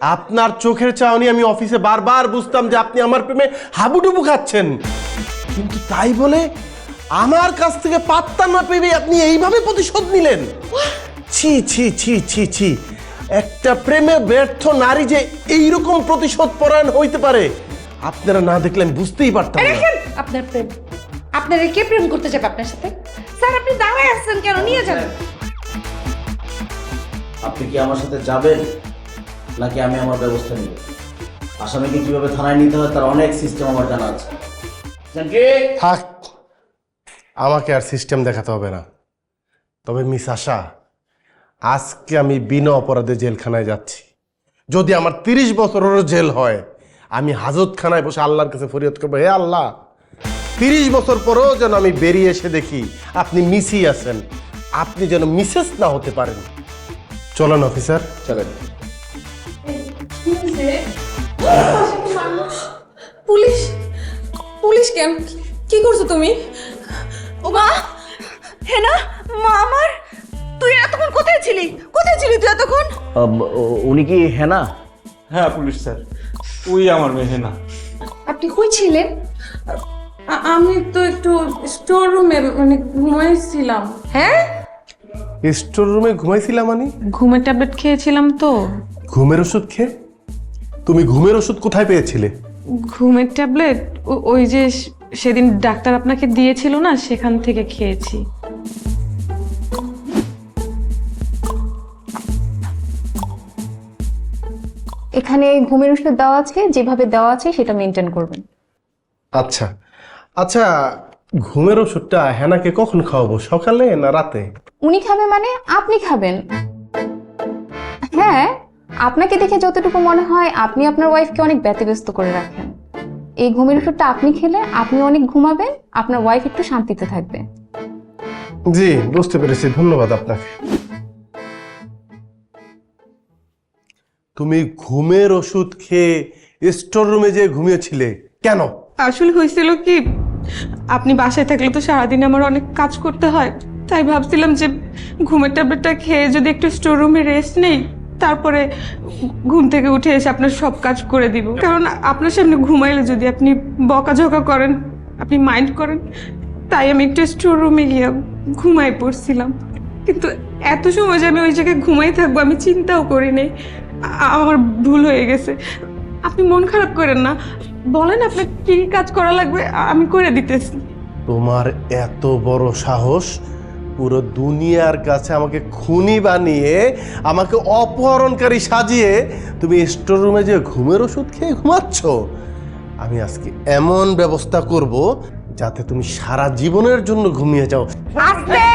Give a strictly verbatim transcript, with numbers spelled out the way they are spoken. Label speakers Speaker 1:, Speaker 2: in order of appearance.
Speaker 1: আপনার চোখের চাহনি আমি অফিসে বারবার বুঝতাম যে আপনি আমার প্রেমে হাবুডুবু খাচ্ছেন, কিন্তু তাই বলে আমার কাছ থেকে পাত্তা না পেয়ে আপনি এইভাবে প্রতিশোধ নিলেন। ছি ছি ছি ছি ছি, একটা প্রেমে ব্যর্থ নারী যে এইরকম প্রতিশোধ পরায়ণ হইতে পারে আপনারা না দেখলে আমি বুঝতেই পারতাম না।
Speaker 2: আপনার প্রেম, আপনারা কে প্রেম করতে যাবে আপনার সাথে? স্যার আপনি দাঁড়ায় আসছেন কেন? নিয়ে যান।
Speaker 3: আপনি কি আমার সাথে যাবেন নাকি আমি আমার ব্যবস্থা নিব? আসামিকে কিভাবে থানায় নিতে হয় তার অনেক সিস্টেম আমার জানা আছে।
Speaker 1: থাক, আমাকে আর সিস্টেম দেখাতে হবে না। তবে মিস আশা, আজকে আমি বিনা অপরাধে জেলখানায় যাচ্ছি। যদি আমার তিরিশ বছরেরও জেল হয়, আমি হাজতখানায় বসে আল্লাহর কাছে ফরিয়াদ করবো, হে আল্লাহ, তিরিশ বছর পরেও যেন আমি বেরিয়ে এসে দেখি আপনি মিসই আছেন, আপনি যেন মিসেস না হতে পারেন। চলেন অফিসার,
Speaker 3: চলেন।
Speaker 2: পুলিশ, পুলিশ কেন? কি করছো তুমি? ও মা, হে না মা আমার, তুই এতক্ষণ কোথায় ছিলি? কোথায় ছিলি তুই এতক্ষণ?
Speaker 3: উনি কি হেনা?
Speaker 4: হ্যাঁ পুলিশ স্যার, ওই আমার মেয়ে হেনা।
Speaker 2: আপনি কই ছিলেন?
Speaker 5: আমি তো একটু স্টোর রুমে মানে ঘুমাইছিলাম।
Speaker 2: হ্যাঁ,
Speaker 1: স্টোর রুমে ঘুমাইছিলাম মানে?
Speaker 5: ঘুমের ট্যাবলেট খেয়েছিলাম তো।
Speaker 1: ঘুমের ওষুধ খেয়ে? তুমি ঘুমের ওষুধ কোথায় পেয়েছিলে?
Speaker 5: ঘুমের ট্যাবলেট ওই যে সেদিন ডাক্তার আপনাকে দিয়েছিল না, সেখান থেকে খেয়েছি।
Speaker 6: এখানে ঘুমের ওষুধ দেওয়া আছে, যেভাবে দেওয়া আছে সেটা মেনটেন করবেন।
Speaker 1: আচ্ছা আচ্ছা, ঘুমের ওষুধটা হেনাকে কখন খাওয়াবো, সকালে না রাতে?
Speaker 6: উনি খাবে মানে আপনি খাবেন। হ্যাঁ, আপনাকে দেখে যতটুকু মনে হয় আপনি আপনার ওয়াইফকে অনেক ব্যতিব্যস্ত করে রাখেন। এই ঘুমের ওষুধটা আপনি খেলে আপনি অনেক ঘুমাবেন, আপনার ওয়াইফ একটু শান্তিতে থাকবে।
Speaker 1: জি বুঝতে পেরেছি, ধন্যবাদ আপনাকে। তুমি ঘুমের ওষুধ খেয়ে স্টোর রুমে যে ঘুমিয়েছিলে কেন?
Speaker 5: আসলে হয়েছিল কি, আপনি বাসায় থাকলে তো সারাদিন আমার অনেক কাজ করতে হয়, তাই ভাবছিলাম যে ঘুমের ট্যাবলেটটা খেয়ে যদি একটু স্টোর রুমে রেস্ট নেই, তারপরে ঘুম থেকে উঠে এসে আপনার সব কাজ করে দিব। কারণ আপনার সামনে ঘুমাইলে যদি আপনি বকাঝকা করেন, আপনি মাইন্ড করেন, তাই আমি একটু স্টোর রুমে গিয়ে ঘুমাই পড়ছিলাম। কিন্তু এত সময় যে আমি ওই জায়গায় ঘুমাই থাকবো আমি চিন্তাও করি নাই। আ- আমার ভুল হয়ে গেছে। আপনি মন খারাপ করেন না, বলেন আপনার কি কাজ করা লাগবে, আমি করে দিতেছি।
Speaker 1: তোমার এত বড় সাহস, পুরো দুনিয়ার কাছে আমাকে খুনি বানিয়ে, আমাকে অপহরণকারী সাজিয়ে তুমি স্টোর রুমে যে ঘুমের ওষুধ খেয়ে ঘুমাচ্ছ? আমি আজকে এমন ব্যবস্থা করব যাতে তুমি সারা জীবনের জন্য ঘুমিয়ে যাও।
Speaker 2: আস্তে